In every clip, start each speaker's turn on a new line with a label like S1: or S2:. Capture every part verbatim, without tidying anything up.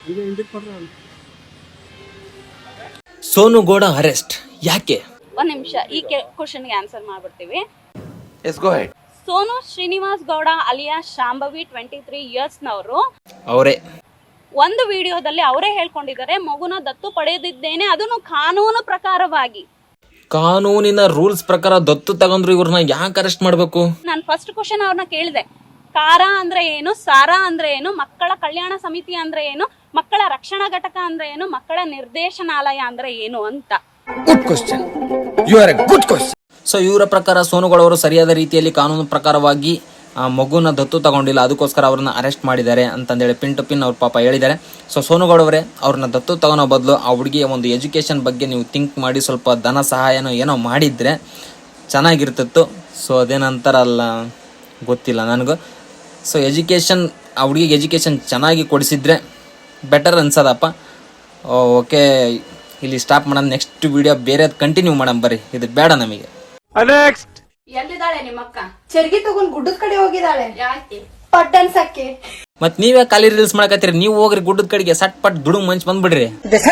S1: Sonu Gowda arrest ಯಾಕೆ?
S2: ಒಂದ್ ನಿಮಿಷ ಈ ಕ್ವಶನ್ಗೆ ಆನ್ಸರ್ ಮಾಡ್ಬಿಡ್ತೀವಿ.
S3: Yes go ahead.
S2: Sonu Srinivas Gowda alias Shambhavi twenty three years ನವರು
S1: ಅವರೇ
S2: ಒಂದು ವಿಡಿಯೋದಲ್ಲಿ ಅವರೇ ಹೇಳ್ಕೊಂಡಿದ್ದಾರೆ ಮಗುನ ದತ್ತು ಪಡೆದಿದ್ದೇನೆ, ಅದನ್ನು ಕಾನೂನು ಪ್ರಕಾರವಾಗಿ.
S1: ಕಾನೂನಿನ ರೂಲ್ಸ್ ಪ್ರಕಾರ ದತ್ತು ತಗೊಂಡ್ರು ಇವ್ರನ್ನ ಯಾಕೆ ಅರೆಸ್ಟ್ ಮಾಡ್ಬೇಕು?
S2: ನಾನು ಫಸ್ಟ್ ಕ್ವಶನ್ ಅವ್ರನ್ನ ಕೇಳಿದೆ, ಕಾರ ಅಂದ್ರೆ ಏನು, ಸಾರಾ ಅಂದ್ರೆ ಏನು, ಮಕ್ಕಳ ಕಲ್ಯಾಣ ಸಮಿತಿ ಅಂದ್ರೆ ಏನು, ಮಕ್ಕಳ ರಕ್ಷಣಾ ಘಟಕ ಅಂದ್ರೆ ಏನು, ಮಕ್ಕಳ ನಿರ್ದೇಶನಾಲಯ ಅಂದ್ರೆ ಏನು ಅಂತ.
S3: Good question, you are a good question.
S1: So ಇವರ ಪ್ರಕಾರ ಸೋನುಗಳವರು ಸರಿಯಾದ ರೀತಿಯಲ್ಲಿ ಕಾನೂನು ಪ್ರಕಾರವಾಗಿ ಆ ಮಗುನ ದತ್ತು ತಗೊಂಡಿಲ್ಲ, ಅದಕ್ಕೋಸ್ಕರ ಅವ್ರನ್ನ ಅರೆಸ್ಟ್ ಮಾಡಿದ್ದಾರೆ ಅಂತಂದೇಳಿ ಪಿನ್ ಟು ಪಿನ್ ಅವ್ರ ಪಾಪ ಹೇಳಿದ್ದಾರೆ. ಸೊ ಸೋನುಗೌಡವರೇ ಅವ್ರನ್ನ ದತ್ತು ತಗೊಳೋ ಬದಲು ಆ ಹುಡುಗಿಯ ಒಂದು ಎಜುಕೇಷನ್ ಬಗ್ಗೆ ನೀವು ಥಿಂಕ್ ಮಾಡಿ ಸ್ವಲ್ಪ ಧನ ಸಹಾಯನೋ ಏನೋ ಮಾಡಿದರೆ ಚೆನ್ನಾಗಿರ್ತಿತ್ತು. ಸೊ ಅದೇನಂತಾರಲ್ಲ ಗೊತ್ತಿಲ್ಲ ನನಗೂ. ಸೊ ಎಜುಕೇಷನ್ ಆ ಹುಡುಗಿಗೆ ಎಜುಕೇಷನ್ ಚೆನ್ನಾಗಿ ಕೊಡಿಸಿದ್ರೆ ಬೆಟರ್ ಅನ್ಸದಪ್ಪ. ಓಕೆ, ಇಲ್ಲಿ ಸ್ಟಾಪ್ ಮಾಡೋಣ. ನೆಕ್ಸ್ಟ್ ವಿಡಿಯೋ ಬೇರೆ ಕಂಟಿನ್ಯೂ ಮಾಡೋಣ ಬರ್ರಿ, ಇದು ಬೇಡ ನಮಗೆ.
S3: ನೆಕ್ಸ್ಟ್
S2: ಎಲ್ಲಿದ್ದಾಳೆ ನಿಮ್ಮಕ್ಕ?
S4: ಚರ್ಗಿ ತಗೊಂಡ್ ಗುಡ್ಡದ ಕಡೆ ಹೋಗಿದ್ದಾಳೆ.
S2: ಯಾಕೆ?
S4: ಪಟ್ ಅನ್ಸಕ್ಕೆ.
S1: ಮತ್ ನೀವೇ ಖಾಲಿ ರೀಲ್ಸ್ ಮಾಡಕತ್ತೀರಿ, ನೀವು ಹೋಗ್ರಿ ಗುಡ್ಡದ ಕಡೆಗೆ, ಸಟ್ ಪಟ್ ದುಡುಮ್ ಮಂಚ್ ಬಂದ್ಬಿಡ್ರಿ.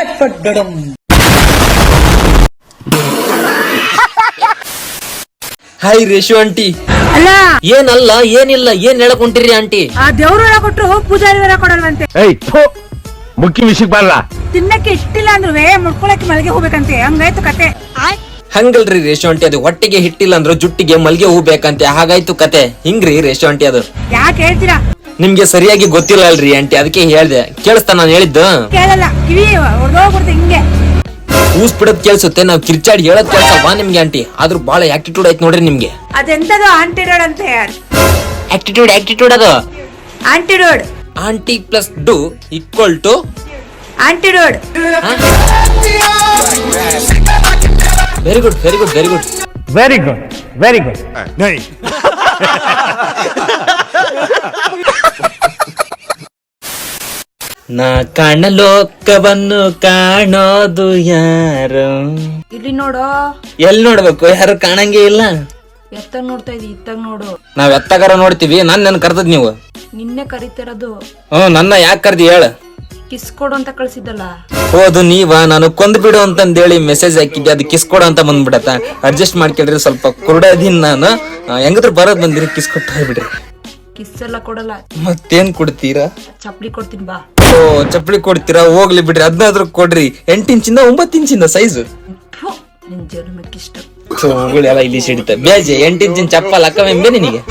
S1: Hi Reshu aunty.
S5: ಅಲ್ಲ
S1: ಏನಲ್ಲ ಏನಿಲ್ಲ, ಏನ್ ಹೇಳಕ್ ಹೊಂಟಿರಿ ಆಂಟಿ?
S5: ಆ ದೇವ್ರು ಹೊರ ಕೊಟ್ರು ಪೂಜಾರಿ ಹೊರ ಕೊಡಲ್ವಂತೆ.
S3: ಮುಖ್ಯ ವಿಷಯಕ್ಕೆ ಬರಲ್ಲ.
S5: ತಿನ್ನಕ್ಕೆ ಇಷ್ಟಿಲ್ಲ ಅಂದ್ರೂ ಮುಡ್ಕೊಳಕ್ಕೆ ಮಲ್ಗೆ ಹೋಗ್ಬೇಕಂತೆ, ಹಂಗಾಯ್ತು ಕತೆ.
S1: ಹಂಗಲ್ರಿ ರೇಷು ಆಂಟಿ, ಅದು ಹೊಟ್ಟಿಗೆ ಹಿಟ್ಟಿಲ್ಲ ಅಂದ್ರು ಜುಟ್ಟಿಗೆ ಮಲ್ಗೆ ಹೂ ಬೇಕಂತೆ, ಹಾಗಾಯ್ತು ಕತೆ. ಹಿಂಗ್ರಿ ರೇಷು ಆಂಟಿ, ಅದು
S5: ಯಾಕೆ ಹೇಳ್ತೀರಾ?
S1: ನಿಮ್ಗೆ ಸರಿಯಾಗಿ ಗೊತ್ತಿಲ್ಲ ಅಲ್ರಿ ಆಂಟಿ, ಅದಕ್ಕೆ ಹೇಳ್ದೆ. ಕೇಳಿಸ್ತಾ ನಾನು ಹೇಳಿದ್ದು?
S5: ಕೇಳಲ್ಲ, ಕಿವಿ ಹೊಡೆದೋಗ್ಬಿಡ್ತು ಹಿಂಗೆ.
S1: ಊಸ್ ಬಿಡೋದ್ ಕೇಳಿಸುತ್ತೆ, ನಾವ್ ಕಿರ್ಚಾಡಿ ಹೇಳೋದ್ ಕೇಳ್ಸಲ್ವಾ ನಿಮ್ಗೆ ಆಂಟಿ? ಆದ್ರೂ ಬಹಳ ಆಟಿಟ್ಯೂಡ್ ಆಯ್ತು ನೋಡ್ರಿ ನಿಮ್ಗೆ.
S5: ಅದೆಂತದು ಆಂಟಿಡೋಡ್ ಅಂತ ಹೇಳಿ.
S1: ಆಟಿಟ್ಯೂಡ್ ಆಟಿಟ್ಯೂಡ್ ಅದು
S5: antidote.
S1: Aunty plus do equal to
S5: antidote.
S1: Very good very good very good
S3: very good very good.
S1: ನಾ ಕಾಣ ಲೋಕವನ್ನು ಕಾಣೋದು ಯಾರು?
S5: ಇಲ್ಲಿ ನೋಡು.
S1: ಎಲ್ಲಿ ನೋಡ್ಬೇಕು? ಯಾರು ಕಾಣಂಗೆ ಇಲ್ಲ.
S5: ಎತ್ತಾಗ ನೋಡ್ತಾ ಇದಿ, ಇತ್ತಾಗ ನೋಡು.
S1: ನಾವ್ ಎತ್ತಗಾರ ನೋಡ್ತೀವಿ. ನಾನ್ ನನ್ ಕರ್ದದ್ ನೀವು?
S5: ನಿನ್ನೆ ಕರಿತಿರೋದು.
S1: ಹ್ಮ್, ನನ್ನ ಯಾಕೆ ಕರ್ದಿ ಹೇಳ?
S5: ಕಿಸ್ ಕೊಡು ಅಂತ ಕಳ್ಸಿದ್ದಲ್ಲ.
S1: ಹೌದು, ನೀವ ನಾನು ಕೊಂದ್ ಬಿಡು ಅಂತಂದೇಳಿ ಮೆಸೇಜ್ ಹಾಕಿದ್ದೆ, ಅದು ಕಿಸ್ ಕೊಡು ಅಂತ ಬಂದ್ಬಿಡತ್ತ. ಅಡ್ಜಸ್ಟ್ ಮಾಡ್ಕೊಳ್ರಿ, ಸ್ವಲ್ಪ ಕುರುಡದೀನ್ ನಾನು. ಹೆಂಗದ್ರು ಬರೋದ್ ಬಂದಿರಿ, ಕಿಸ್ ಕೊಟ್ಟು ಹೋಗ್ಬಿಡ್ರಿ.
S5: ಕಿಸ್ ಎಲ್ಲ ಕೊಡಲ್ಲ.
S1: ಮತ್ತೇನ್ ಕೊಡ್ತೀರಾ?
S5: ಚಪ್ಲಿ ಕೊಡ್ತೀನಿ ಬಾ.
S1: ಓ, ಚಪ್ಪಲಿ ಕೊಡ್ತೀರಾ? ಹೋಗ್ಲಿ ಬಿಡ್ರಿ, ಹದಿನಾದ್ರೂ ಕೊಡ್ರಿ. ಎಂಟು ಇಂಚಿಂದ ಒಂಬತ್ತು ಇಂಚಿಂದ ಸೈಜು.
S5: ನಿನ್ ಜನ್ಮಕ್ಕಿಷ್ಟ.
S1: ಎಲ್ಲ ಇಲ್ಲಿ ಸಿಡಿತ ಬೇಜೆ. ಎಂಟು ಇಂಚಿನ ಚಪ್ಪಲ್ ಅಕ್ಕವೆಂಬೆ ನಿನಗೆ?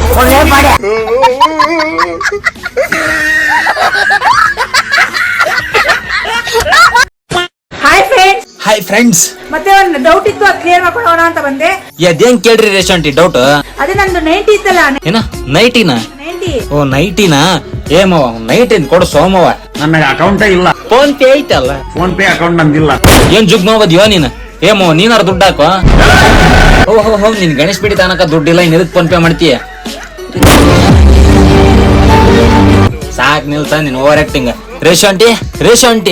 S5: Hi friends.
S1: Hi friends.
S5: ಮತ್ತೆ ಒಂದು ಡೌಟ್ ಇತ್ತು, ಅದು ಕ್ಲಿಯರ್ ಮಾಡ್ಕೊಳ್ಳೋಣ ಅಂತ ಬಂದೆ.
S1: ಅದೇನ್ ಕೇಳ್ರಿ ರೇಷಂಟಿ ಡೌಟ್?
S5: ಅದೇ ನಂದು ನೈಂಟಿ ಇತ್ತಲ್ಲ.
S1: ಏನ ನೈಟಿನ?
S5: ನೈಂಟಿ.
S1: ಓ ನೈಟಿನ? ಏಮವ ನೈಟ್ ಏನ್ ಕೊಡು ಸೋಮವ.
S3: ನನ್ನ ಅಕೌಂಟೇ ಇಲ್ಲ.
S1: ಫೋನ್ ಪೇ ಐತಲ್ಲ?
S3: ಫೋನ್ ಪೇ ಅಕೌಂಟ್ ನಂದಿಲ್ಲ.
S1: ಏನ್ ಜುಗ್ಮವದ್ಯೋ ನೀನ್? ಏಮೋ ನೀನಾರ ದುಡ್ಡು ಹಾಕೋ. ಓಹೋ ಹೋ, ನಿನ್ ಗಣೇಶ್ ಬಿಡಿ ತಾನಕ ದುಡ್ಡಿಲ್ಲ, ಇನ್ ಎದಕ್ ಫೋನ್ ಪೇ ಮಾಡ್ತೀಯ? ಸಾಕ್ ನಿಲ್ಸ ನಿನ್ over acting. Reshu aunty Reshu aunty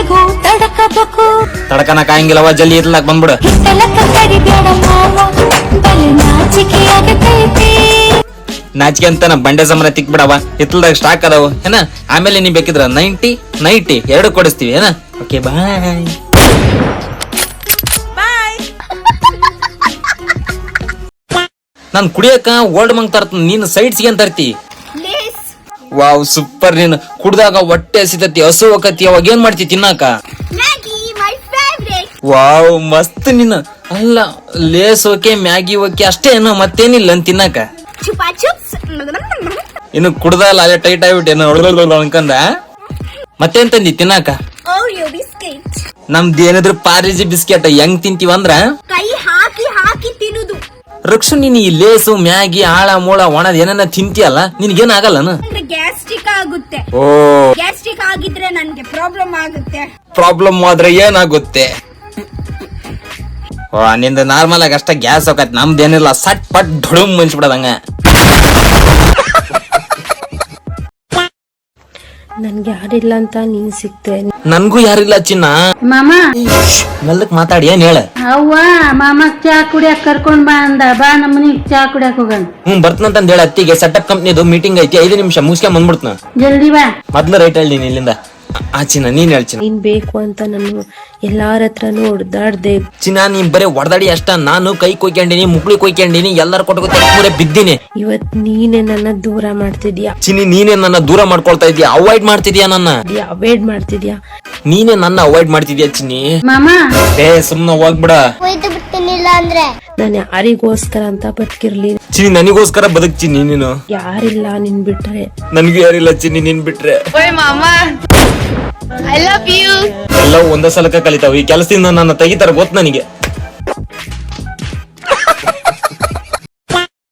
S1: ತಡಕನಕ ಹಂಗಿಲ್ಲವ, ಜಲ್ದಿ ಇರ್ಲಾಕ್ ಬಂದ್ಬಿಡು. ನಾಚಿಕೆ ಅಂತ ಬಂಡೆ ಸಮರ ತಿಕ್ ಬಿಡವ, ಹಿತ್ತಲ್ದಾಗ ಸ್ಟಾಕ್ ಅದಾವ ಏನ. ಆಮೇಲೆ ನೀ ಬೇಕಿದ್ರ ನೈಂಟಿ ನೈಂಟಿ ಎರಡು ಕೊಡಿಸ್ತೀವಿ ಏನ. Okay bye. ನಾನ್ ಕುಡಿಯಕ ಓಲ್ಡ್ ಮಂಗ್ ತರ್ತ, ನೀನು ಸೈಡ್ಸ್ಗೆ ಏನ್ ತರ್ತಿ? Wow super. ನೀನು ಕುಡ್ದಾಗ ಹೊಟ್ಟೆ ಹಸಿತತಿ, ಹಸು ಹೋಗತಿ, ಅವಾಗ ಏನ್ ಮಾಡ್ತಿ ತಿನ್ನಾಕ? ವಾವ್ ಮಸ್ತ್. ನೀನು ಅಲ್ಲ ಲೇಸ್ ಓಕೆ, ಮ್ಯಾಗಿ ಓಕೆ ಅಷ್ಟೇ ಏನೋ, ಮತ್ತೇನಿಲ್ಲ ಅಂತ ತಿನ್ನಾಕ? ಇನ್ನು ಕುಡ್ದಲ್ಲ ಅಲ್ಲೇ ಟೈಟ್ ಆಗ್ಬಿಟ್ಟು ಏನೋ ಅನ್ಕಂದ. ಮತ್ತೇನ್ ತಂದಿ ತಿನ್ನಾಕ? ನಮ್ದು ಏನಿದ್ರು ಪಾರ್ಲಿಜಿ ಬಿಸ್ಕೆಟ್. ಹೆಂಗ್ ತಿಂತೀವಂದ್ರ
S4: ಕೈ ಹಾಕಿ ಹಾಕಿ ತಿನ್ನುದು.
S1: ರಕ್ಷು, ನೀನ್ ಈ ಲೇಸು ಮ್ಯಾಗಿ ಆಳ ಮೂಳ ಒಣದ್ ಏನ ತಿಂತೀಯಲ್ಲ, ನಿನ್ಗೇನ್ ಆಗಲ್ಲನ?
S4: ಗ್ಯಾಸ್ಟ್ರಿಕ್ ಆಗುತ್ತೆ.
S1: ಓ,
S4: ಗ್ಯಾಸ್ಟ್ರಿಕ್ ಆಗಿದ್ರೆ ನನ್ಗೆ ಪ್ರಾಬ್ಲಮ್ ಆಗುತ್ತೆ.
S1: ಪ್ರಾಬ್ಲಮ್ ಆದ್ರೆ ಏನಾಗುತ್ತೆ? ಓ, ನಿಂದ ನಾರ್ಮಲ್ ಆಗಿ ಅಷ್ಟ ಗ್ಯಾಸ್ ಹೋಗತ್, ನಮ್ದೇನಿಲ್ಲ, ಸಟ್ ಪಟ್ ಧುಡುಮ್ ಮುಂಚ್ಬಿಡದಂಗ.
S6: ನನ್ಗೆ ಯಾರಿಲ್ಲ ಅಂತ ನೀನ್ ಸಿಕ್ತೆ.
S1: ನನ್ಗೂ ಯಾರಿಲ್ಲ ಚಿನ್ನ.
S6: ಮಾಮ
S1: ಮೆಲ್ಲಕ್ ಮಾತಾಡಿ, ಏನ್ ಹೇಳ?
S6: ಅವ್ವ ಮಾಮ ಚಾ ಕುಡಿಯಕ್ ಕರ್ಕೊಂಡ್ ಬಾ ಅಂದ. ಬಾ ನಮ್ಮನಿಗ್ ಚಾ ಕುಡಿಯಕ್ ಹೋಗೋಣ.
S1: ಹ್ಮ್ ಬರ್ತನಂತ ಹೇಳ. ಅತ್ತಿಗೆ ಸೆಟಪ್ ಕಂಪ್ನಿದು ಮೀಟಿಂಗ್ ಐತಿ, ಐದು ನಿಮಿಷ ಮುಗಿಸ್ಕೊಂಡ್ ಬಂದ್ಬಿಡ್ತನ.
S6: ಜಲ್ದಿ ಬಾ.
S1: ಮೊದ್ಲು ರೈಟ್ ಹೇಳಿ ನೀನ್ ಇಲ್ಲಿಂದ. ಆ ಚಿನ್ನ ನೀನ್ ಹೇಳ್ ಚಿನ್ನ.
S7: ನೀನ್ ಬೇಕು ಅಂತ ನಾನು ಎಲ್ಲಾರ ಹತ್ರನು ಹೊಡೆದಾಡ್ದೆ.
S1: ಚಿನ್ನ ನೀನ್ ಬರೀ ಹೊಡೆದಾಡಿ ಅಷ್ಟ, ನಾನು ಕೈ ಕೊಯ್ಕೊಂಡಿನಿ, ಮುಕ್ಳಿ ಕೊಯ್ಕೊಂಡಿನಿ, ಎಲ್ಲಾರ ಕೊಟ್ಟ ಬಿದ್ದೀನಿ.
S7: ಇವತ್ ನೀನೆ ನನ್ನ ದೂರ ಮಾಡ್ತಿದ್ಯಾ,
S1: ಚಿನ್ನಿ ನೀನೇ ನನ್ನ ದೂರ ಮಾಡ್ಕೊಳ್ತಾ ಇದೀಯ, ಅವಾಯ್ಡ್ ಮಾಡ್ತಿದ್ಯಾ ನನ್ನ,
S7: ಅವಾಯ್ಡ್ ಮಾಡ್ತಿದ್ಯಾ,
S1: ನೀನೇ ನನ್ನ ಅವಾಯ್ಡ್ ಮಾಡ್ತಿದ್ಯಾ ಚಿನ್ನಿ.
S6: ಮಾಮ
S1: ಏ ಸುಮ್ನ ಹೋಗ್ಬಿಡ.
S7: ನಾನು ಯಾರಿಗೋಸ್ಕರ ಅಂತ ಬದುಕಿರ್ಲಿ,
S1: ಚಿನ್ನಿ ನನಗೋಸ್ಕರ ಬದುಕ್ ಚಿನ್ನಿ ನೀನು.
S7: ಯಾರಿಲ್ಲ ನಿನ್ ಬಿಟ್ರೆ.
S1: ನನ್ಗೂ ಯಾರಿಲ್ಲ ಚಿನ್ನಿ ನಿನ್ ಬಿಟ್ರೆ. ಎಲ್ಲ ಒಂದೇ ಸಲಕ ಕಲಿತಾವ. ಈ ಕೆಲಸದಿಂದ ನನ್ನ ತೆಗಿತಾರ ಗೊತ್ತು ನನಗೆ.